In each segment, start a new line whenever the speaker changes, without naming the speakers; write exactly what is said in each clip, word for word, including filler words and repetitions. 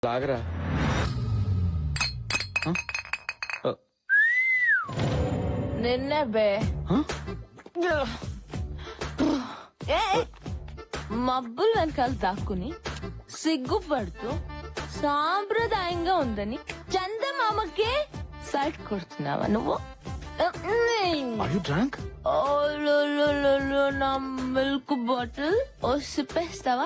లాగరా
నిన్నే బే ఏ మబ్బులు వెనకాల దాక్కుని సిగ్గుపడుతూ సాంప్రదాయంగా ఉందని చందమామకే సైట్ కొడుతున్నావా నువ్వు? నా మిల్క్ బాటిల్ ఓ సిప్పేస్తావా?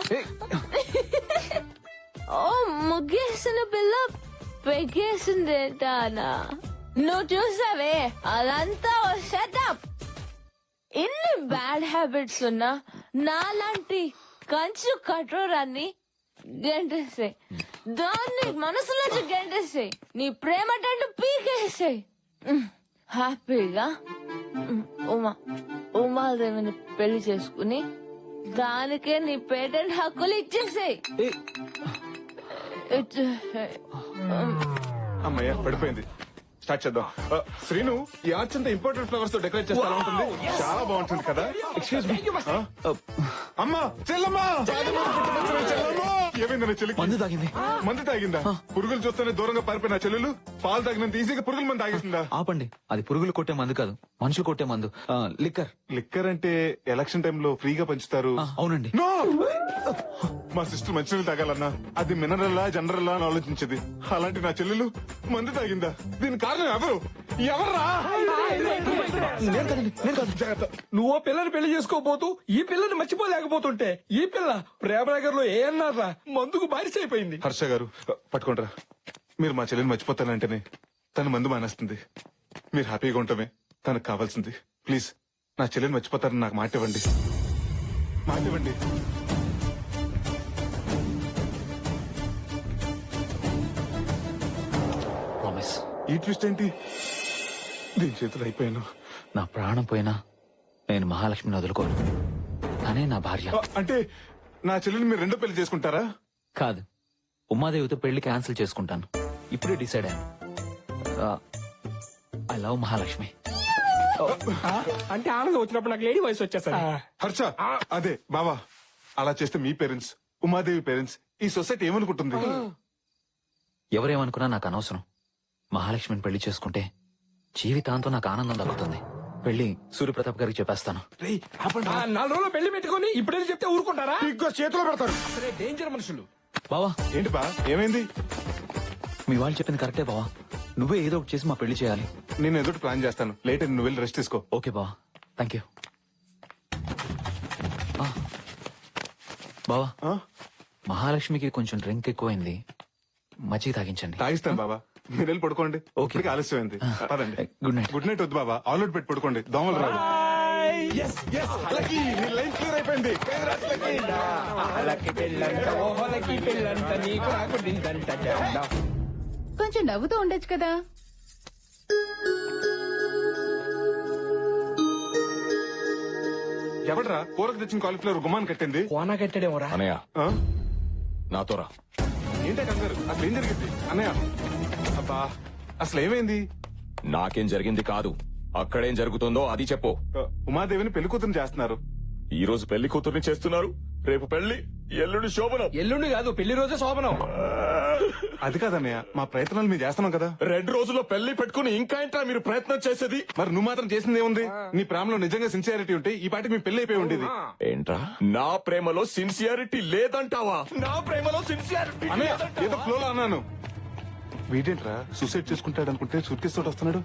ఓ ముగ్గేసిన పిల్ల పెగేసిందేటానా? నువ్వు చూసావే అదంతా ఓ సెటప్. ఇన్ని బ్యాడ్ హ్యాబిట్స్ ఉన్నా నాలాంటి కంచు కఠోరాన్ని గెంటేసాయి, దాన్ని మనసులోంచి గెంటేసాయి, నీ ప్రేమ టంటు పీకేసాయి. హ్యాపీగా ఉమా ఉమాదేవిని పెళ్లి చేసుకుని దానికే నీ పేటెంట్ హక్కులు ఇచ్చేసాయి.
అమ్మయ్య పడిపోయింది. స్టార్ట్ చేద్దాం. శ్రీను, ఈ ఆర్చ్ అంతా ఇంపార్టెంట్ ఫ్లవర్స్ తో డెకరేట్ చేస్తా ఉంటుంది. చాలా బాగుంటుంది కదా. Excuse me. అమ్మా చెల్లమ్మా, చెల్లమ్మా ఏమైంది? చెల్లి
మందు తాగింది.
మందు తాగిందా? పురుగులు చూస్తేనే దూరంగా పారిపోయిన చెల్లెలు పాలు తాగినంత ఈజీగా పురుగుల మంది తాగేసిందా?
ఆపండి, అది పురుగులు కొట్టే మందు కాదు, మనుషులు కొట్టే మందు. లిక్కర్.
లిక్కర్ అంటే ఎలక్షన్ టైంలో ఫ్రీగా పంచుతారు.
అవునండి.
నో! మా సిస్టర్ మంచినీళ్ళు తాగాలన్నా అది మినరల్లా జనరల్లా అని ఆలోచించేది. అలాంటి నా చెల్లెలు మందు తాగిందా? దీని కారణం ఎవరు? ఎవర్రా?
నువ్వు పిల్లని పెళ్లి చేసుకోబోతూ ఈ పిల్లని మర్చిపోలేకపోతుంటే ఈ పిల్ల ప్రేమనగర్ లో ఏ అన్నారా మందుకు బారిస అయిపోయింది.
హర్ష గారు పట్టుకోండిరా. మీరు మా చెల్లెని మర్చిపోతానంటేనే తను మందు మానేస్తుంది. మీరు హ్యాపీగా ఉండటమే తనకు కావాల్సింది. ప్లీజ్ నా చెల్లెని మర్చిపోతారని నాకు మాట ఇవ్వండి. మాట ఇవ్వండి.
ప్రామిస్.
ఈ ట్విస్ట్ ఏంటి? దీని చేతులు అయిపోయాను.
నా ప్రాణం పోయినా నేను మహాలక్ష్మిని వదులుకోను. తనే నా భార్య.
అంటే నా చెల్లెని మీరు రెండో పెళ్లి చేసుకుంటారా?
కాదు, ఉమాదేవితో పెళ్లి క్యాన్సిల్ చేసుకుంటాను. ఇప్పుడే డిసైడ్ అయ్యాను. I love Mahalakshmi.
అంటే ఆనందం వచ్చినప్పుడు నాకు లేడీ వయసు వచ్చేసరి.
హర్ష అదే బావా, అలా చేస్తే మీ పేరెంట్స్, ఉమాదేవి పేరెంట్స్, ఈ సొసైటీ ఏమనుకుంటుంది?
ఎవరేమనుకున్నా నాకు అనవసరం. మహాలక్ష్మిని పెళ్లి చేసుకుంటే జీవితాంతం నాకు ఆనందం దక్కుతుంది. పెళ్లి సూర్యప్రతాప్ గారికి చెప్పేస్తాను.
నాలుగు రోజులు పెళ్లి పెట్టుకుని ఇప్పుడేది చెప్తే ఊరుకుంటారా?
ఇంకో చేతిలో పెడతారు.
అసలే డేంజర్ మనుషులు.
బావా.
ఏంటి బా, ఏమైంది?
మీ వాళ్ళు చెప్పింది కరెక్టే బావా. నువ్వే ఏదో ఒకటి చేసి మా పెళ్లి చేయాలి.
నేను ఎదుటి ప్లాన్ చేస్తాను. లేట్ అని నువ్వు వెళ్ళి రెస్ట్ తీసుకో.
ఓకే బావా, థ్యాంక్ యూ. బావా, మహాలక్ష్మికి కొంచెం డ్రింక్ ఎక్కువైంది, మజ్జిగ తాగించండి.
తాగిస్తాను బాబా, మీరు వెళ్ళి పడుకోండి.
ఓకే.
ఆలస్యమైంది. పదండి.
Good night.
గుడ్ నైట్ వద్దు బాబా, ఆల్ అవుట్ పెట్టి పడుకోండి. దోమలు రాదు. లైన్ క్లియర్ అయిపోయింది.
కొంచెం నవ్వుతూ ఉండొచ్చు కదా.
ఎవడరా కూరకు తెచ్చిన కాలీఫ్లవర్ గుమ్మాన్ని కట్టింది?
కోనా కట్టాడేమోరా.
అనయ్య
ఆ?
నాతో రా.
ఏంటే కంగారు? అసలు ఏం జరిగింది అన్నయ్య? అబ్బా అసలు ఏమైంది?
నాకేం జరిగింది కాదు, అక్కడేం జరుగుతుందో అది చెప్పు.
ఆ, ఉమాదేవిని పెళ్లి కూతురు చేస్తున్నారు.
ఈ రోజు పెళ్లి కూతుర్ని చేస్తున్నారు, రేపు పెళ్లి, ఎల్లుండి శోభనం.
ఎల్లుండి కాదు, పెళ్లి రోజే శోభనం.
అది కాదన్నయ్య, మా ప్రయత్నాలు మేము చేస్తున్నాం కదా.
రెండు రోజుల్లో పెళ్లి పెట్టుకుని ఇంకా ఏంట్రా మీరు ప్రయత్నం చేసేది?
మరి నువ్వు మాత్రం చేసింది ఏముంది? నీ ప్రేమలో నిజంగా సిన్సియారిటీ ఉంటే ఈ పాటికి మీ పెళ్లి అయిపోయి ఉండేది.
ఏంట్రా నా ప్రేమలో సిన్సియారిటీ లేదంటావా? నా ప్రేమలో సిన్సియారిటీ
అన్నయ్య ఏదో ఫ్లోలో అన్నాను. వీడేంట్రా సూసైడ్ చేసుకుంటాడు అనుకుంటే సూట్ కేసు తోటి వస్తున్నాడు.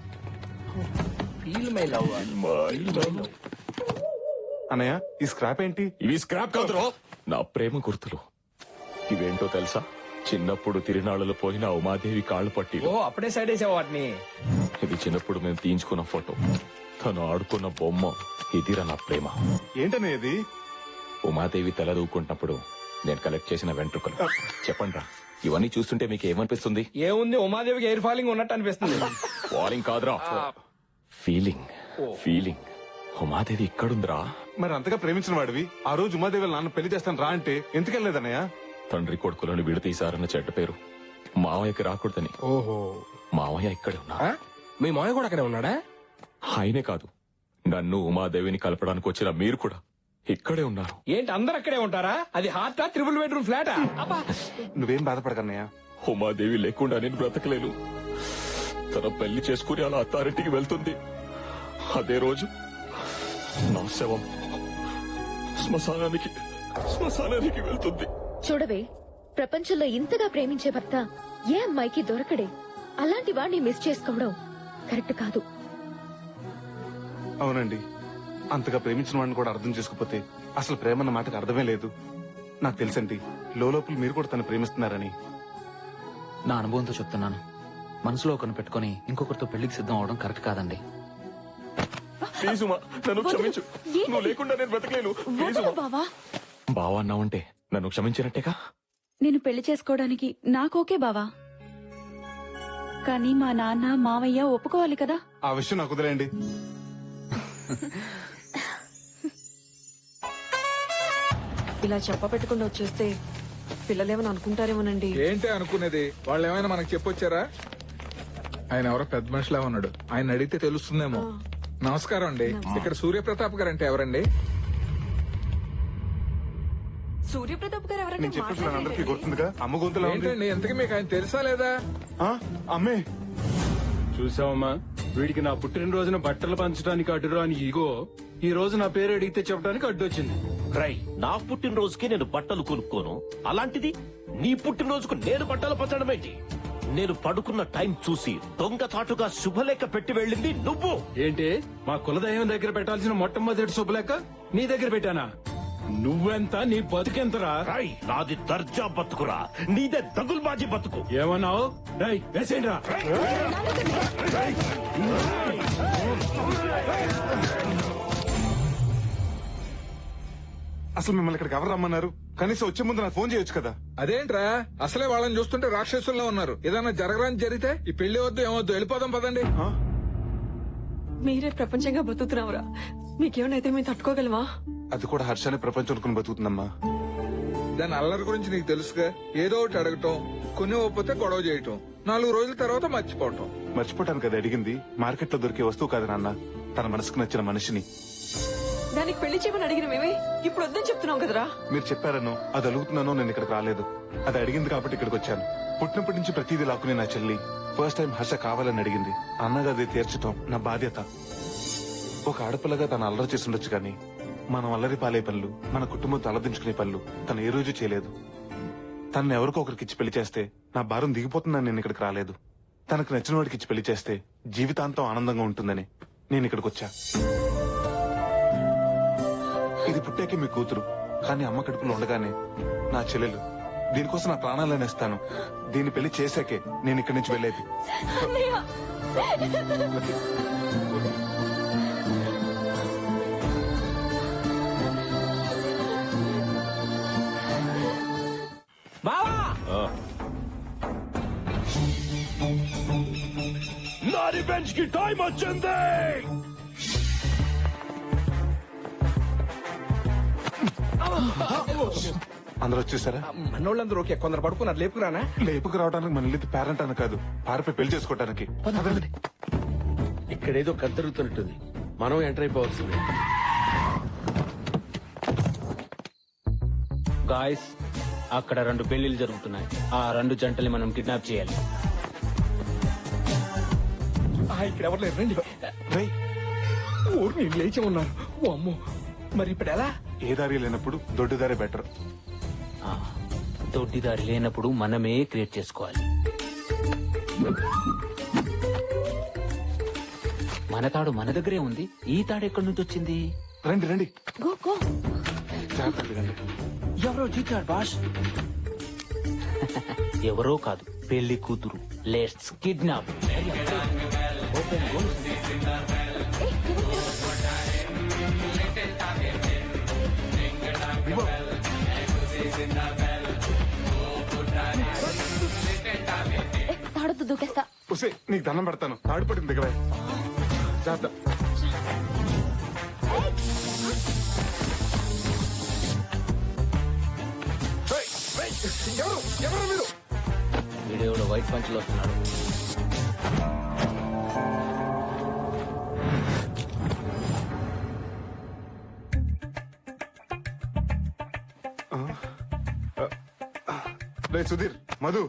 అన్నయ్య ఈ స్క్రాప్ ఏంటి?
ఇవి స్క్రాప్ కాదురా, నా ప్రేమ గుర్తులు. ఇవేంటో తెలుసా? చిన్నప్పుడు తిరునాళ్ళలో పోయిన ఉమాదేవి కాళ్ళు పట్టి.
ఓ అప్పుడే సైడ్ వేసావు వాటిని.
ఇది చిన్నప్పుడు మేము తీయించుకున్న ఫోటో, తను ఆడుకున్న బొమ్మ. ఇదిరా నా ప్రేమ.
ఏంటన్నయ్య ఇది?
ఉమాదేవి తల దూకుంటున్నప్పుడు నేను కలెక్ట్ చేసిన వెంట్రుకలు. చెప్పండి రా, ఇవన్నీ చూస్తుంటే మీకు ఏమనిపిస్తుంది?
ఏముంది, ఉమాదేవికి ఎయిర్ ఫాలింగ్ ఉన్నట్టు అనిపిస్తుంది.
ఫాలింగ్ కాదురా, ఫీలింగ్. ఫీలింగ్. ఉమాదేవి ఇక్కడుందిరా.
మరి అంతగా ప్రేమించిన వాడివి ఆ రోజు ఉమాదేవి వాళ్ళ నాన్న పెళ్లి చేస్తాను రా అంటే ఎందుకెళ్ళలేదన్నయ్య?
తండ్రి కొడుకులను విడతీశారన్న చెడ్డ పేరు మావయ్యకి రాకూడదని.
ఓహో,
మావయ్య ఇక్కడే ఉన్నా.
మీ మాయ కూడా అక్కడే ఉన్నాడా?
ఆయనే కాదు, నన్ను ఉమాదేవిని కలపడానికి వచ్చిన మీరు కూడా ఇక్కడే ఉన్నారు.
ఏంటి అందరు అక్కడే ఉంటారా? అది హార్టా, త్రిబుల్ బెడ్రూమ్ ఫ్లాటా?
నువ్వేం బాధపడకన్నయ్య,
ఉమాదేవి లేకుండా నేను బ్రతకలేను. తన పెళ్లి చేసుకుని అలా అత్తారింటికి వెళ్తుంది. అదే రోజు నా శవం శ్మశానానికి శ్మశానానికి వెళ్తుంది.
చూడవే, ప్రపంచంలో ఇంతగా ప్రేమించే భర్త ఏ అమ్మాయికి దొరకడే. అలాంటి వాడిని మిస్ చేసుకోవడం కరెక్ట్ కాదు.
అవునండి, అంతగా ప్రేమించిన వాడిని కూడా అర్థం చేసుకోకపోతే అసలు ప్రేమ అన్న మాటకు అర్థమే లేదు. నాకు తెలుసండి, లోపల మీరు కూడా తను ప్రేమిస్తున్నారని.
నా అనుభవంతో చెప్తున్నాను. మనసులో ఒకరిని పెట్టుకుని ఇంకొకరితో పెళ్లికి సిద్ధం అవడం కరెక్ట్ కాదండి.
ప్లీజ్ ఉమా, నన్ను క్షమించు. నువ్వు లేకుండా నేను బ్రతకలేను. ప్లీజ్ ఉమా.
బావా
బావా అన్నావంటే నన్ను క్షమించినట్టేగా.
నేను పెళ్లి చేసుకోవడానికి నాకోకే బావా, కానీ మా నాన్న మావయ్య ఒప్పుకోవాలి కదా.
ఆ విషయం నాకు వదిలేండి.
ఇలా చెప్ప పెట్టుకుండా వచ్చేస్తే పిల్లలేమని అనుకుంటారేమోనండి.
ఏంటి అనుకునేది? వాళ్ళు ఏమైనా మనకు చెప్పొచ్చారా? ఆయన ఎవరో పెద్ద మనిషిలా ఉన్నాడు, ఆయన అడిగితే తెలుస్తుందేమో. నమస్కారం అండి, ఇక్కడ సూర్యప్రతాప్ గారు అంటే ఎవరండి?
సూర్యప్రతాప్ గారు ఎవరంటే
నేను చెప్పేసి అందరికీ గుర్తుందిగా, అమ్మ గొంతులా ఉంది.
ఏంటండి ఎంతకీ మీకు ఆయన తెలుసా లేదా?
ఆ, అమ్మే
చూసావమ్మా, వీడికి నా పుట్టినరోజున బట్టలు పంచడానికి అడ్డురాని ఈగో ఈ రోజు నా పేరు అడిగితే చెప్పడానికి అడ్డొచ్చింది.
రై, నా పుట్టినరోజుకి నేను బట్టలు కొనుక్కోను, అలాంటిది నీ పుట్టినరోజుకు నేను బట్టలు పంచడం ఏంటి? నేను పడుకున్న టైం చూసి దొంగచాటుగా శుభలేఖ పెట్టి వెళ్ళింది నువ్వు.
ఏంటి, మా కులదైవం దగ్గర పెట్టాల్సిన మొట్టమొదటి శుభలేఖ నీ దగ్గర పెట్టానా? నువ్వెంత, నీ బతుకెంతరా?
రై, నాది దర్జా బతుకురా, నీదే దగుల్బాజీ బతుకు.
ఏమన్నావు? రై వేసేయండిరా.
అసలు మిమ్మల్ని ఇక్కడికి ఎవరు రమ్మన్నారు? కనీసం వచ్చే ముందు నాకు ఫోన్ చేయొచ్చు కదా.
అదేంట్రా, అసలే వాళ్ళని చూస్తుంటే రాక్షసుల్లో ఉన్నారు. ఏదైనా జరగరాని జరిగితే ఈ పెళ్లి వద్దు ఏమొద్దు, వెళ్ళిపోదాం పదండి.
ఆ?
మీరే ప్రపంచంగా బతుకుతున్నావురా, మీకేమైనా మేము తట్టుకోగలమా?
అది కూడా హర్షాన్ని ప్రపంచం అనుకుని బతుకుతుందమ్మా.
దాని అల్లరి గురించి నీకు తెలుసుగా. ఏదో ఒకటి అడగటం, కొన్ని ఒప్పితే గొడవ చేయటం, నాలుగు రోజుల తర్వాత మర్చిపోవటం.
మర్చిపోవటానికి అది అడిగింది మార్కెట్ లో దొరికే వస్తువు కాదు నాన్న, తన మనసుకు నచ్చిన మనిషిని.
దానికి పెళ్లి చేయమని అడిగిన మేమే ఇప్పుడు వద్దని చెప్తున్నాం కదరా.
మీరు చెప్పారనో అది అడుగుతున్నానో నేను ఇక్కడికి రాలేదు. అది అడిగింది కాబట్టి ఇక్కడికి వచ్చాను. పుట్టినప్పటి నుంచి ప్రతిదీ లాక్కునే నా చెల్లి ఫస్ట్ టైం హర్ష కావాలని అడిగింది. అన్నగా అది తీర్చడం నా బాధ్యత. ఒక ఆడపిల్లగా తను అల్లరి చేసి ఉండొచ్చు కానీ మనం అల్లరి పాలే పనులు, మన కుటుంబం తలదించుకునే పనులు తను ఏ రోజు చేయలేదు. తనను ఎవరికో ఒకరికి ఇచ్చి పెళ్లి చేస్తే నా భారం దిగిపోతుందని నేను ఇక్కడికి రాలేదు. తనకు నచ్చిన వాడికి ఇచ్చి పెళ్లి చేస్తే జీవితాంతం ఆనందంగా ఉంటుందని నేను ఇక్కడికి వచ్చా. ఇది పుట్టాకే మీ కూతురు, కానీ అమ్మ కడుపులో ఉండగానే నా చెల్లెలు. దీనికోసం నా ప్రాణాలను ఇస్తాను. దీన్ని పెళ్లి చేశాకే నేను ఇక్కడి నుంచి వెళ్ళేది.
నా రివెంజ్ కి టైం వచ్చింది.
అందరూ వచ్చేసారా?
మనోళ్ళందరూ ఓకే, కొందరు పడుకున్నారు. లేపుకురానా?
లేపుకు రావడానికి మన ఇల్లు పేరెంట్ అని కాదు, పారిపోయి పెళ్లి చేసుకోవడానికి.
ఇక్కడేదో కద్దరుగుతున్నట్టుంది, మనం ఎంటర్ అయిపోవాల్సింది.
గాయస్, అక్కడ రెండు పెళ్లిళ్ళు జరుగుతున్నాయి. ఆ రెండు జంటల్ని మనం కిడ్నాప్ చేయాలి.
ఇక్కడ ఎవరు లేరు, రండి.
రేయ్,
ఊరు నేను లేచి ఉన్నారు. ఓ అమ్మో, మరి ఇప్పుడు ఎలా?
ఏ దారి లేనప్పుడు దొడ్డు దారే బెటర్.
ఆ, దొడ్డిదారి లేనప్పుడు మనమే క్రియేట్ చేసుకోవాలి. మన తాడు మన దగ్గరే ఉంది. ఈ తాడు ఎక్కడి నుంచి వచ్చింది?
రండి రండి,
గో గో.
జాగ్రత్తగా రండి.
ఎవరో జీతాడు బాష్. ఎవరో కాదు, పెళ్లి కూతురు. Let's kidnap.
తాడుతూ దూకేస్తా.
ఉసే, నీకు దండం పెడతాను. తాడు పట్టింది దగ్గర. జాగ్రత్త. రేయ్, రేయ్, ఎవరు ఎవరు మీరు?
వీడియోలో వైట్ పంచులు వస్తున్నాడు.
రేయ్ సుధీర్, మధు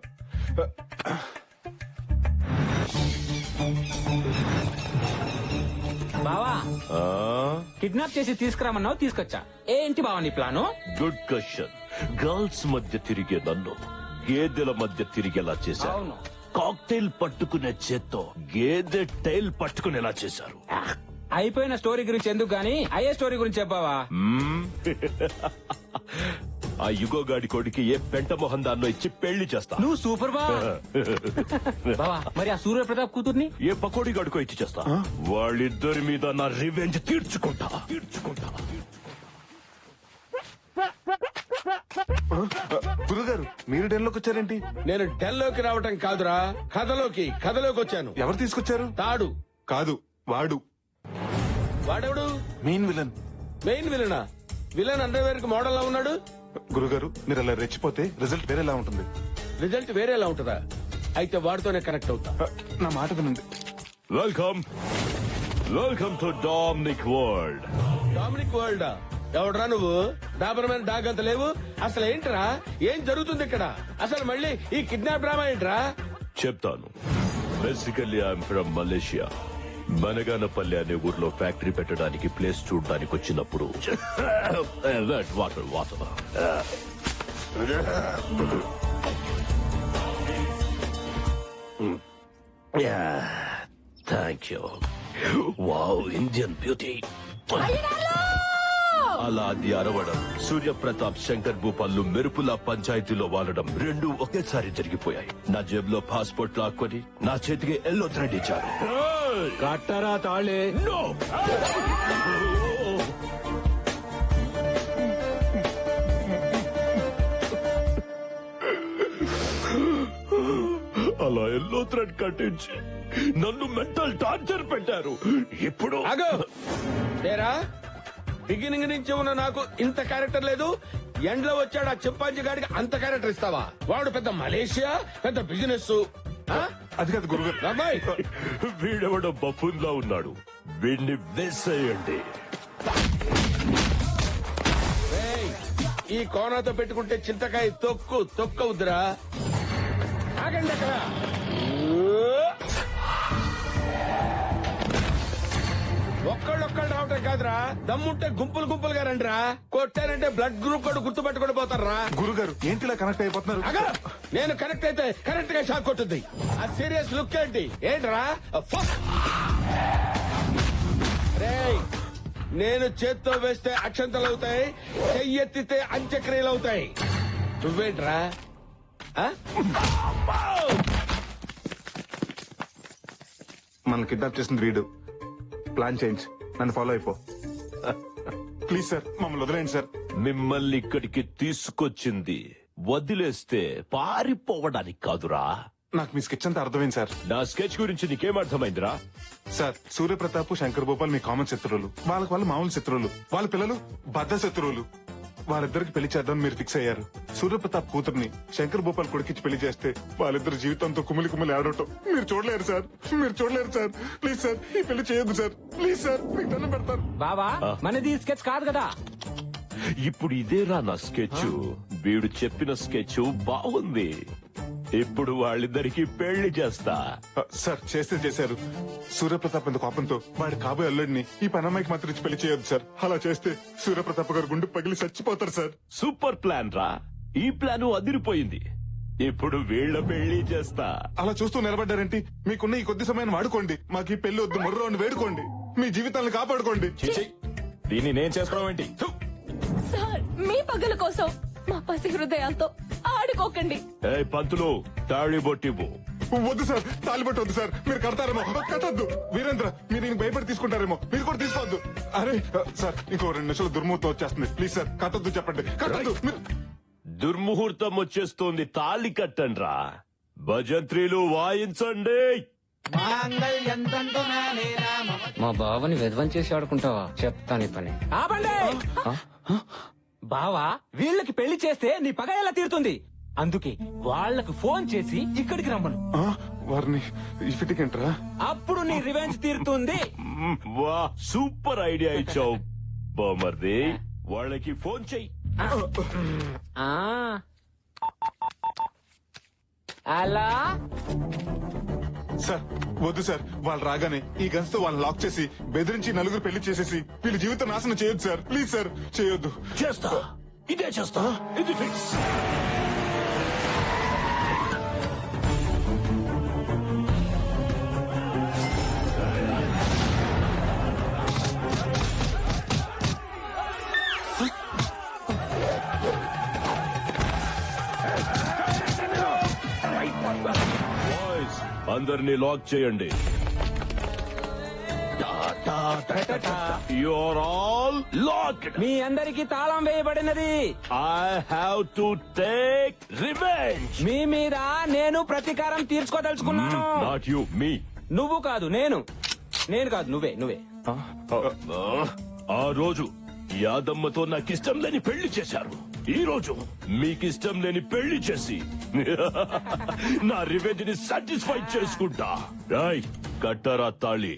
బావా
ఆ?
కిడ్నాప్ చేసి తీసుకురామన్నావు, తీసుకొచ్చా. ఏంటి బావా నీ ప్లాను?
Good question. గర్ల్స్ మధ్య తిరిగే నన్ను గేదెల మధ్య తిరిగేలా చేశారు.
అవును.
కాక్టైల్ పట్టుకునే చేత్తో గేదె టైల్ పట్టుకునేలా చేశారు.
అయిపోయిన స్టోరీ గురించి ఎందుకు గానీ అయ్యే స్టోరీ గురించి చెప్పావా?
మ్మ్. ఆ యుగో గాడి కొడుకి ఏ పెంట మొహం దాన్నో ఇచ్చి పెళ్లి చేస్తా.
నువ్వు సూపర్ బా. బావా మరి ఆ సూర్య ప్రతాప్ కూతుర్ని
ఏ పకోడీ గడుకో ఇచ్చి చేస్తా. వాళ్ళిద్దరి మీద నా రివెంజ్ తీర్చుకుంటా తీర్చుకుంటా
గురుగారు మీరు డెన్లోకి వచ్చారేంటి?
నేను డెల్లోకి రావటం కాదురా, కథలోకి కథలోకి వచ్చాను.
ఎవరు తీసుకొచ్చారు?
తాడు
కాదు వాడు
వాడెవడు?
Main villain.
మెయిన్ విలనా? విలన్ అండర్వేర్ కి మోడల్ లా ఉన్నాడు.
గురుగారు మీరు అలా రెచ్చిపోతే రిజల్ట్ వేరేలా ఉంటుంది.
రిజల్ట్ వేరేలా ఉంటుందా? అయితే వాడితోనే కనెక్ట్ అవుతా.
నా మాట వినండి.
Welcome welcome to Dominic world.
Dominic world ఎవడరా నువ్వు? డాబర్ మ్యాన్ డాగ్ అంత లేవు. అసలు ఏంట్రా, ఏం జరుగుతుంది ఇక్కడ? అసలు మళ్ళీ ఈ కిడ్నాప్ డ్రామా ఏంట్రా?
చెప్తాను. Basically I'm from Malaysia. Banaganapalli అనే ఊర్లో ఫ్యాక్టరీ పెట్టడానికి ప్లేస్ చూడడానికి వచ్చినప్పుడు water water thank you. Wow, Indian beauty. అలా అది అరవడం, సూర్యప్రతాప్ శంకర్ భూపాల్లు మెరుపుల పంచాయతీలో వాలడం రెండు ఒకేసారి జరిగిపోయాయి. నా జేబులో పాస్పోర్ట్ లాక్కొని నా చేతికి ఎల్లో థ్రెడ్ ఇచ్చారు.
కట్టరా తాళే.
No! అలా ఎల్లో థ్రెడ్ కట్టించి నన్ను మెంటల్ టార్చర్ పెట్టారు. ఇప్పుడు
ఆగో తేరా, బిగినింగ్ నుంచి ఉన్న నాకు ఇంత క్యారెక్టర్ లేదు. ఎండ్ లో వచ్చాడు ఆ చింపాంజీ గాడికి అంత క్యారెక్టర్ ఇస్తావా? వాడు పెద్ద మలేషియా, పెద్ద బిజినెస్.
అది కాదు గురుగారు.
వీడెవడో బఫూన్ లా ఉన్నాడు. వీడిని వేసేయండి.
ఏయ్, ఈ కోనాతో పెట్టుకుంటే చింతకాయ తొక్కు తొక్కవుద్దురా. ఆగండి అక్కడ. ఒక్కళ్ళొక్కళ్ళు రావటం కాదురా, దమ్ముంటే గుంపులు గుంపులుగా రండిరా. కొట్టారంటే బ్లడ్ గ్రూప్ కూడా గుర్తు పెట్టుకుని పోతారా.
గురుగారు ఏంటిలా కనెక్ట్ అయిపోతున్నారు?
అగా నేను కనెక్ట్ అయితే కరెక్ట్ గా షాక్ కొట్టుద్ది. ఆ సీరియస్ లుక్ ఏంటి? ఏంట్రా? ఫక్. రేయ్, నేను చేత్తో వేస్తే అక్షంతలు అవుతాయి, చెయ్యెత్తితే అంత్యక్రియలు అవుతాయి. నువ్వేంట్రా? ఆ?
మనం కిడ్నాప్ చేసింది వీడు. ప్లాన్ చేంజ్, నన్ను ఫాలో అయిపో. ప్లీజ్ సార్ మమ్మల్ని వదిలేయండి సార్.
మిమ్మల్ని ఇక్కడికి తీసుకొచ్చింది వదిలేస్తే పారిపోవడానికి కాదురా.
నాకు మీ స్కెచ్ అంతా అర్థమైంది సార్.
నా స్కెచ్ గురించి నీకేం అర్థమైందిరా?
సార్ సూర్యప్రతాప్ శంకర్ భూపాల్ మీ కామన్ శత్రువులు. వాళ్ళకి వాళ్ళు మామూలు శత్రువులు. వాళ్ళ పిల్లలు బద్ద శత్రువులు. వాళ్ళిద్దరికి పెళ్లి చేద్దాం మీరు ఫిక్స్ అయ్యారు. సూర్యప్రతాప్ కూతుర్ని శంకర్ భూపాల్ కొడుకిచ్చి పెళ్లి చేస్తే వాళ్ళిద్దరు జీవితంతో కుమిలి కుమిలి ఆడటం మీరు చూడలేరు సార్. మీరు చూడలేరు సార్. ప్లీజ్ సార్ ఈ పెళ్లి చేయొద్దు సార్. ప్లీజ్ సార్ మీకు దండం పెడతారు.
బావా మనది స్కెచ్ కాదు కదా.
ఇప్పుడు ఇదేరా నా స్కెచ్. వీడు చెప్పిన స్కెచ్ బాగుంది. ఇప్పుడు వాళ్ళిద్దరికి పెళ్లి చేస్తా.
సార్ చేస్తే చేశారు. సూర్యప్రతాప్ ఎంత కోపంతో వాడి కాబోయే అల్లుడిని ఈ పనమ్మాయికి మాత్రం ఇచ్చి పెళ్లి చేయొద్దు సార్. అలా చేస్తే సూర్యప్రతాప్ గారు గుండు పగిలి చచ్చిపోతారు సార్.
సూపర్ ప్లాన్ రా. ఈ ప్లాన్ అదిరిపోయింది. ఇప్పుడు వీళ్ళ పెళ్లి చేస్తా.
అలా చూస్తూ నిలబడ్డారేంటి? మీకున్న ఈ కొద్ది సమయాన్ని వాడుకోండి. మాకు ఈ పెళ్లి వద్దు, మొర్రో అని వేడుకోండి. మీ జీవితాలను కాపాడుకోండి.
దీన్ని నేను చేసుకోవడం ఏంటి?
సార్ మీ పగల కోసం మా పసి హృదయాలతో ఆడుకోకండి.
ఏ పంతులు, తాళి బొట్టివ్వు.
వద్దు సార్, తాలిబట్టు వద్దు సార్. మీరు కడతారేమో. కట్టద్దు వీరేంద్ర, మీరు ఈయన భయపడి తీసుకుంటారేమో. మీరు కూడా తీసుకోవద్దు. అరే సార్ ఇంకో రెండు నిమిషాలు దుర్ముహూర్తం వచ్చేస్తుంది. ప్లీజ్ సార్ కట్టద్దు, చెప్పండి కట్టద్దు. మీరు
దుర్ముహూర్తం వచ్చేస్తోంది. తాళి కట్టండ్రా. భజంత్రీలు వాయించండి.
మా బావని విధ్వం చేసి ఆడుకుంటావా? చెప్తాను ఈ పని. బావా వీళ్ళకి పెళ్లి చేస్తే నీ పగ ఎలా తీరుతుంది? అందుకే వాళ్ళకి ఫోన్ చేసి ఇక్కడికి రమ్మను.
వారిని ఇఫిటికంటరా?
అప్పుడు నీ రివెంజ్ తీరుతుంది.
వా, సూపర్ ఐడియా ఇచ్చావు బామర్ది. వాళ్ళకి ఫోన్ చెయ్యి.
ఆ అలా
సార్ వద్దు సార్, వాళ్ళు రాగానే ఈ గన్స్ తో వాళ్ళని లాక్ చేసి బెదిరించి నలుగురు పెళ్లి చేసేసి వీళ్ళ జీవితం నాశనం చేయొద్దు సార్. ప్లీజ్ సార్, చేయొద్దు.
చేస్తా, ఇదే చేస్తా, ఇది ఫిక్స్. బాయ్స్, అందరినీ లాక్ చేయండి. You're all locked.
మీ అందరికి తాళం వేయబడినది.
I have to take revenge.
మీ మీద నేను ప్రతీకారం తీర్చుకోదలుచుకున్నాను.
నాట్ యు, మీ.
నువ్వు కాదు, నేను. నేను కాదు, నువ్వే నువ్వే.
ఆ రోజు యాదమ్మతో నాకిష్టం లేని పెళ్లి చేశారు. ఈ రోజు మీకిష్టం లేని పెళ్లి చేసి నా రివెంజ్ ని సాటిస్ఫై చేసుకుంటా. రాయ్, కట్టరా తాళి.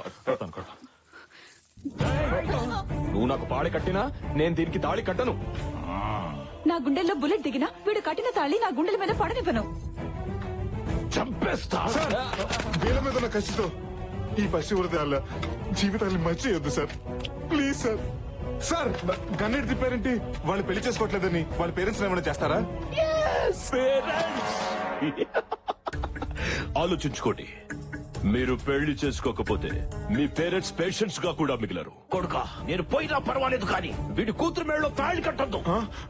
నువ్వు నాకు పాడి కట్టినా నేను దీనికి తాళి కట్టను.
నా గుండెల్లో బుల్లెట్ దిగినా వీడు కట్టిన తాళి నా గుండెల మీద పడనివ్వను.
చంపేస్తా.
సార్, వీళ్ళ మీద ఉన్న కసితో ఈ పసి హృదయాల జీవితాన్ని మర్చియొద్దు సార్. Please sir. సార్, గన్నెట్ తిప్పారేంటి? వాళ్ళు పెళ్లి చేసుకోవట్లేదని వాళ్ళ పేరెంట్స్ ఏమైనా చేస్తారా?
పేరెంట్స్ ఆలోచించుకోండి. మీరు పెళ్లి చేసుకోకపోతే మీ పేరెంట్స్ పేషెంట్స్ గా కూడా మిగిలరు. కొడుకా, నేను పోయినా పర్వాలేదు కానీ వీడి కూతురు మేడలో తాళి కట్టద్దు.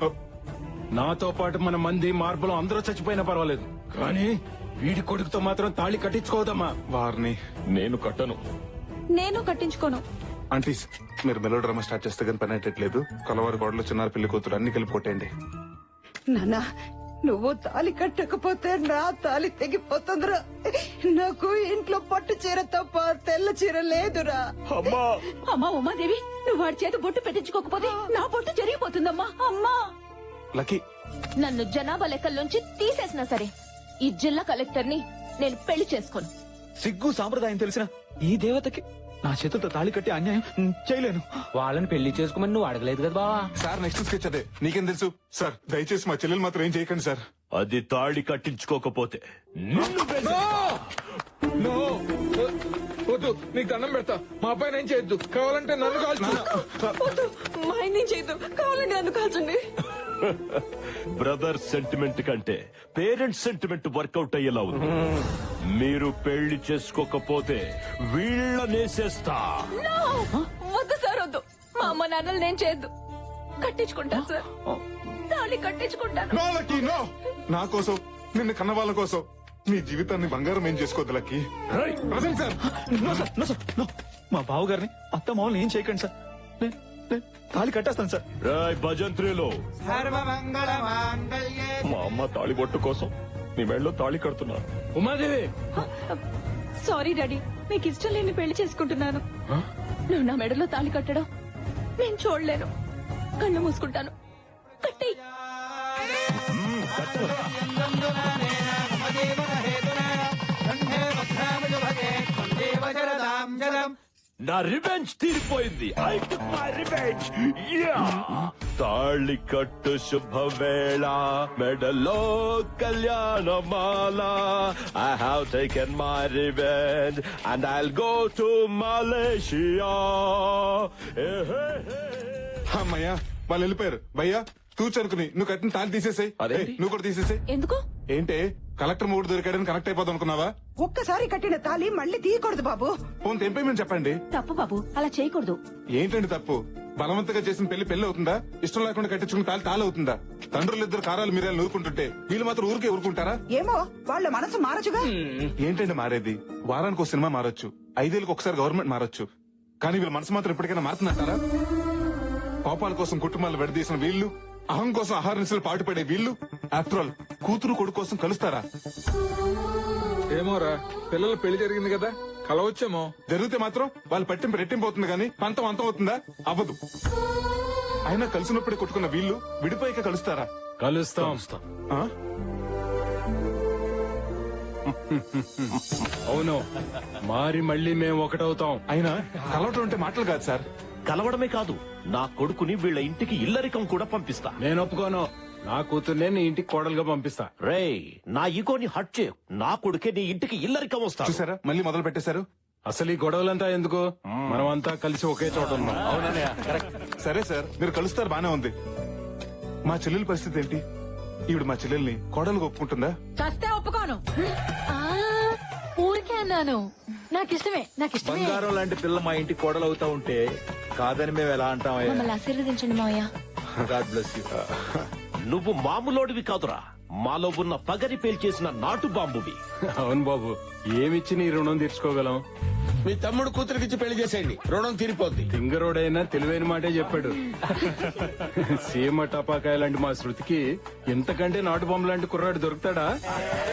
నాతో పాటు మన మంది మార్పులు అందరూ చచ్చిపోయినా పర్వాలేదు, కానీ వీడి కొడుకుతో మాత్రం తాళి కట్టించుకోదమ్మా.
వారిని
నేను కట్టను.
నేను కట్టించుకోను.
ఆంటీస్, మీరు మెలో డ్రామా స్టార్ట్ చేస్తే కానీ పని అయ్యేట్లేదు. కలవారి గోడలు, చిన్నారు పెళ్లి కూతురు అన్ని కలిపి కొట్టేయండి.
నానా, నువ్వు తాలి కట్టకపోతే నా తాలి తెగిపోతుందిరా. నాకు ఇంట్లో పట్టు చీర తప్ప తెల్ల చీర లేదురా.
అమ్మా
అమ్మా ఉమాదేవి, నువ్వు వాడి చేత బొట్టు పెట్టించుకోకపోతే నా బొట్టు జరిగిపోతుందమ్మా. అమ్మా,
లక్కీ,
నన్ను జనాభా లెక్కల్లోంచి తీసేసినా సరే ఈ జిల్లా కలెక్టర్ ని నేను పెళ్లి చేసుకోను.
సిగ్గు సాంప్రదాయం తెలిసిన ఈ దేవతకి నా చేతులతో తాళి కట్టి అన్యాయం ఉమ్, చేయలేను.
వాళ్ళని పెళ్లి చేసుకోమని నువ్వు అడగలేదు కదా బావా.
సార్ నెక్స్ట్ స్కెచ్ అదే. నీకేం తెలుసు సార్? దయచేసి మా చెల్లెలు మాత్రం ఏం చేయకండి సార్.
అది తాళి కట్టించుకోకపోతే నిన్ను బెదిరిస్తా.
నో, వద్దు, నీకు దండం పెడతా. మా అబ్బాయి ఏం చేయొద్దు. కావాలంటే నన్ను కాల్చు.
మా ఆయన చేయదు, కావాలంటే నన్ను కాల్చండి.
బ్రదర్ సెంటిమెంట్ కంటే పేరెంట్స్ సెంటిమెంట్ వర్కౌట్ అయ్యేలా ఉంది. మీరు పెళ్లి చేసుకోకపోతే వీళ్ళనేసేస్తా.
No! వద్దు సార్, వద్దు. మా అమ్మ నాన్నలు నేను చేయొద్దు. కట్టించుకుంటాను సార్, తాళి కట్టించుకుంటాను.
No lucky, no. నా కోసం, నిన్ను కన్న వాళ్ళ కోసం నీ జీవితాన్ని బంగారం ఏం చేసుకోవద్దు lucky. Present sir.
No sir, no sir, no. మా బావగారిని అత్త మామూలు ఏం చేయకండి సార్. నేను నేను తాళి కట్టేస్తాను సార్.
రాయ్ భజంత్రిలో
మా అమ్మ తాళి బొట్టు కోసం నీ మెళ్ళలో తాళి కడుతున్నా.
ఉమాదేవి,
సారీ డాడీ, మీకు ఇష్టం లేని పెళ్లి చేసుకుంటున్నాను.
నువ్వు నా మెడలో తాళి కట్టడం నేను చూడలేను. కళ్ళు మూసుకుంటాను. కట్టేయ్.
నా రివెంజ్ తీరిపోయింది. I took my revenge. Yeah, తాళి కట్టు శుభవేళ, మెడలో కళ్యాణమాల. I have taken my revenge and I'll go to Malaysia.
అమ్మయ్యా, వాళ్ళు వెళ్ళిపోయారు. భయ్యా, తూచనుకుని నువ్వు కట్టిన తాళి తీసేసాయి.
అదేంటి?
నువ్వు కూడా తీసేసాయి.
ఎందుకు?
ఏంటే, కలెక్టర్ మూడు దొరికాడని కనెక్ట్ అయిపోదాం అనుకున్నావా?
ఒక్కసారి కట్టిన తాలి మళ్ళీ తీయకూడదు బాబు.
ఫోన్ తెంపేమని చెప్పండి.
తప్పు బాబు, అలా చేయకూడదు.
ఏంటండి తప్పు? బలవంతంగా చేసిన పెళ్లి పెళ్లి అవుతుందా? ఇష్టం లేకుండా కట్టించుకున్న తాళి తాళి అవుతుందా? తండ్రులు ఇద్దరు కారాలు మీరేళ్ళు నూరుకుంటుంటే వీళ్ళు మాత్రం ఊరికే ఊరుకుంటారా?
ఏమో, వాళ్ళ మనసు మారచుగా.
ఏంటండి మారేది? వారానికి ఒక సినిమా మారొచ్చు, ఐదేళ్ళకి ఒకసారి గవర్నమెంట్ మారొచ్చు, కానీ వీళ్ళ మనసు మాత్రం ఎప్పటికైనా మారుతుందంటారా? కోపాల కోసం కుటుంబాలు విడదీసిన వీళ్ళు, అహం కోసం ఆహార నిశలు పాటుపడే వీళ్ళు, ఆఫ్టర్ ఆల్ కూతురు కొడుకు కోసం కలుస్తారా?
ఏమోరా, పిల్లల పెళ్లి జరిగింది కదా, కలవచ్చేమో.
జరిగితే మాత్రం వాళ్ళు పట్టింపు రెట్టింపు అవుతుంది కానీ పంతం అంతం అవుతుందా? అవ్వదు. అయినా కలిసినప్పుడే కొట్టుకున్న వీళ్ళు విడిపోయాక కలుస్తారా?
కలుస్తాం.
ఆ?
అవును, మారి మళ్ళీ మేము ఒకటవుతాం.
అయినా కలవటం అంటే మాటలు కాదు సార్.
కలవడమే కాదు, నా కొడుకుని వీళ్ళ ఇంటికి ఇల్లరికం కూడా పంపిస్తా.
నేను ఒప్పుకోను.
నా కూతుర్నే నీ ఇంటికి కోడలుగా పంపిస్తా.
రేయ్ నా ఈగోని హట్ చేయు. నా కొడుకే నీ ఇంటికి ఇల్లరికం వస్తా.
చూసారా మళ్ళీ మొదలు పెట్టేశారు.
అసలు ఈ గొడవలంతా ఎందుకు? మనమంతా కలిసి ఒకే చోట ఉన్నాం.
సరే సార్ మీరు కలుస్తారు బానే ఉంది. మా చెల్లెల పరిస్థితి ఏంటి? ఈవిడ మా చెల్లెల్ని కోడలుగా ఒప్పుకుంటుందా?
చస్తే ఒప్పుకోను.
ఊరికే అన్నాను. నాకు ఇష్టమే, నాకు ఇష్టమే.
బంగారం లాంటి పిల్ల మా ఇంటి కోడలు అవుతా ఉంటే కాదని మేము ఎలా అంటాం?
మమ్మల్ని ఆశీర్వదించండి మావయ్య.
God bless you.
నువ్వు మామూలోడివి కాదురా, మాలో ఉన్న పగరి పేల్చేసిన నాటు బాంబువి.
అవును బాబు, ఏమిచ్చి నీ రుణం తీర్చుకోగలం?
మీ తమ్ముడు కూతురికిచ్చి పెళ్లి చేసేయండి, రుణం తీరిపోద్ది.
సింగరోడైనా తెలివైన మాటే చెప్పాడు. సీమ టపాకాయ లాంటి మా శృతికి ఇంతకంటే నాటు బొమ్మ లాంటి కుర్రాడు దొరుకుతాడా?